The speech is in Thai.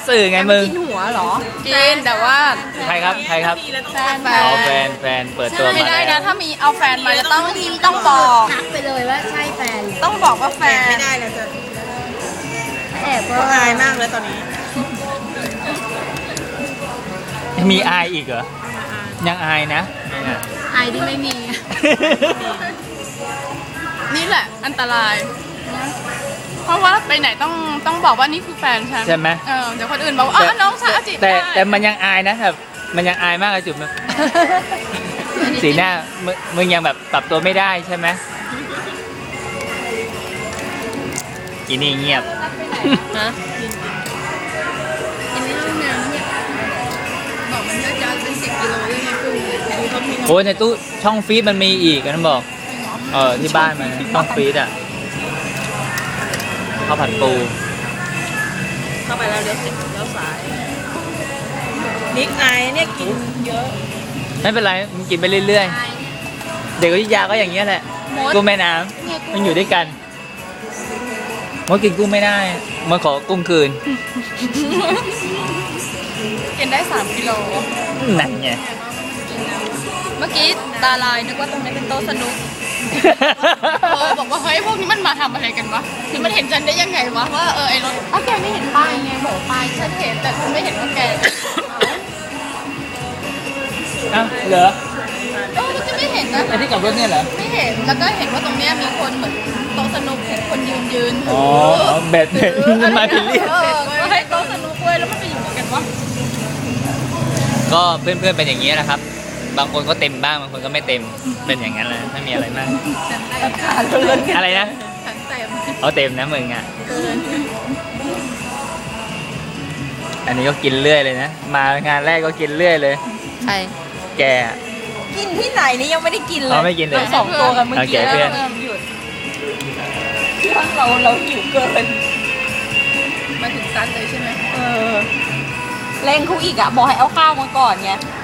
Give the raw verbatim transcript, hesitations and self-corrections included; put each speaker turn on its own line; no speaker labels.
สื่อไงมึง
กินหัวเหรอ
กินแต่ว่า
ใครครับใครครับ
แฟนแฟ
อ๋อน แฟนแฟนเปิดตัว
ไม่
มา
ได้
แล้
นะ
ว
ถ้ามีเอาแฟนมาจะต้องต้องบอก
ทักไปเลยว่าใช่แฟน
ต้องบอกว่าแฟน
ไม่ได้แล้วจะ
แอบก็
อายมากเลยตอนนี้
มีอายอีกเหรอยังอายนะเนี่ย
ไอที่ไม่มี
นี่แหละอันตราย เพราะว่าไปไหนต้องต้องบอกว่านี่คือแฟนฉัน
ใช่ไหม
เออเดี๋ยวคนอื่นบอกว่าอ๋อน้องสาวจีบ
แต่
ได้
แต่มันยังอายนะแบบมันยังอายมากเลยจุ๊บนะสีหน้ามึงมึงยังแบบปรับตัวไม่ได้ใช่ไหมอีนี่เงียบ
ฮะ
กินในห้องน้ำเนี่ย
บอกมันน่าจะเป็นสิบกิโลเลยนะคุณดูเขามี
โอ้ยในตู้ช่องฟีดมันมีอีกนะบอกเออที่บ้านมันช่องฟีดอ่ะข้าวผัดปู
เข้าไปแล้วเลี้ยวเสร็จเลี้ยวซ้ายนิกอายเนี่ยกินเยอะ
ไม่เป็นไรมันกินไปเรื่อยๆเด็กอยุธยาก็อย่างเงี้ยแหละกุ้งแม่น้ำมันอยู่ด้วยกันมดกินกุ้งไม่ได้มาขอกุ้งคืน
กินได้สามกิโล
นั่นไง
เมื่อกี้ตาลายนึกว่าตรงนี้เป็นโต๊ะสนุกเออบอกว่าเฮ้ยพวกนี้มันมาทำอะไรกันวะคือมันเห็นฉันได้ยังไงวะว่าเออไอ้รถอ้าวแกไม่เห็นป้ายไงบอกป้ายฉันเห็นแต่ฉันไม่เห็นว่าแก
เอ้าเหรอ
เออฉันไม่เห็นนะ
ไอ้ที่กับรถเนี่ยเหรอ
ไม่เห็นแล้วก็เห็นว่าตรงเนี้ยมีคนเหมือนโต๊ะสนุกเห็นคนยืนยืน
อ๋อเบ็ดเบ็ดมันมาผิดเรียก
เออก็ให้โต๊ะสนุกเว้ยแล้วมันไปอยู่ไหนกันวะ
ก็เพื่อนๆเป็นอย่างนี้แหละครับ บางคนก็เต็มบ้างบางคนก็ไม่เต็มเป็นอย่างนั้นเลยไม่มีอะไรมากอะไรนะ
ฉันเต็ม
เอาเต็มนะมึงอ่ะอันนี้ก็กินเรื่อยเลยนะมางานแรกก็กินเรื่อยเลย
ใช่
แก
กินที่ไหนนี่ยังไม่ได้กินเลย
เราไม่กินเลย
ราสองตัวกันเมื่อ
โอเค
กี้
เพื่อน
แล้วหยุดที่ว่าเราเราหิวเกิน
มาถึงซันเลยใช่ไหม
เออเร่งเขาอีกอ่ะบอกให้เอาข้าวมาก่อนไง